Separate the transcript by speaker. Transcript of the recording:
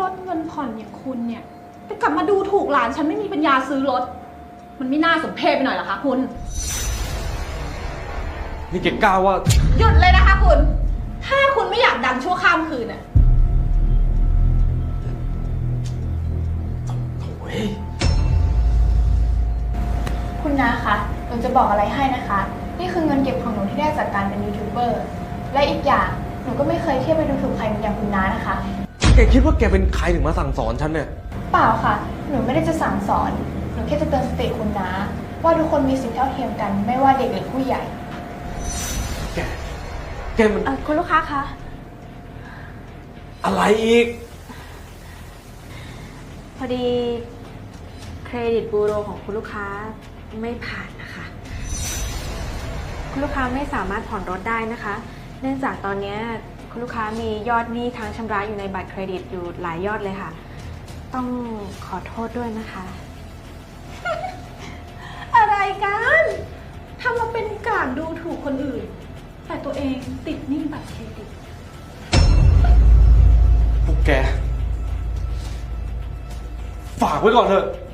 Speaker 1: ถเงินผ่อนอย่างคุณเนี่ยแต่กลับมาดูถูกหลานฉันไม่มีปัญญาซื้อรถมันไม่น่าสมเพชไปหน่อยเหรอคะคุณ
Speaker 2: นี่แกกล้าว่า
Speaker 1: หยุดเลยนะคะคุณถ้าคุณไม่อยากดังชั่วข้ามคืนน่ะ
Speaker 2: โถ่ย
Speaker 3: คุณน้าคะหนูจะบอกอะไรให้นะคะ นี่คือเงินเก็บของหนูที่ได้จากการเป็นยูทูบเบอร์ และอีกอย่างหนูก็ไม่เคยเที่ยวไปดูถูกใครอย่างคุณน้านะคะ
Speaker 2: แกคิดว่าแกเป็นใครถึงมาสั่งสอนฉันเนี่ย
Speaker 3: เปล่าค่ะ หนูไม่ได้จะสั่งสอน หนูแค่จะเตือนสติคุณน้าว่าทุกคนมีสิทธิเท่าเทียมกัน ไม่ว่าเด็กหรือผู้ใหญ่
Speaker 2: แกมัน
Speaker 4: คุณลูกค้าคะ
Speaker 2: อะไรอีก
Speaker 4: พอดีเครดิตบูโรของคุณลูกค้าไม่ผ่านนะคะ คุณลูกค้าไม่สามารถผ่อนรถได้นะคะ เนื่องจากตอนนี้คุณลูกค้ามียอดหนี้ค้างชำระอยู่ในบัตรเครดิตอยู่หลายยอดเลยค่ะ ต้องขอโทษด้วยนะคะ
Speaker 1: อะไรกันทำมาเป็นกลางดูถูกคนอื่นแต่ตัวเองติดหนี้บัตรเครดิต
Speaker 2: พวกแก ฝากไว้ก่อนเถอะ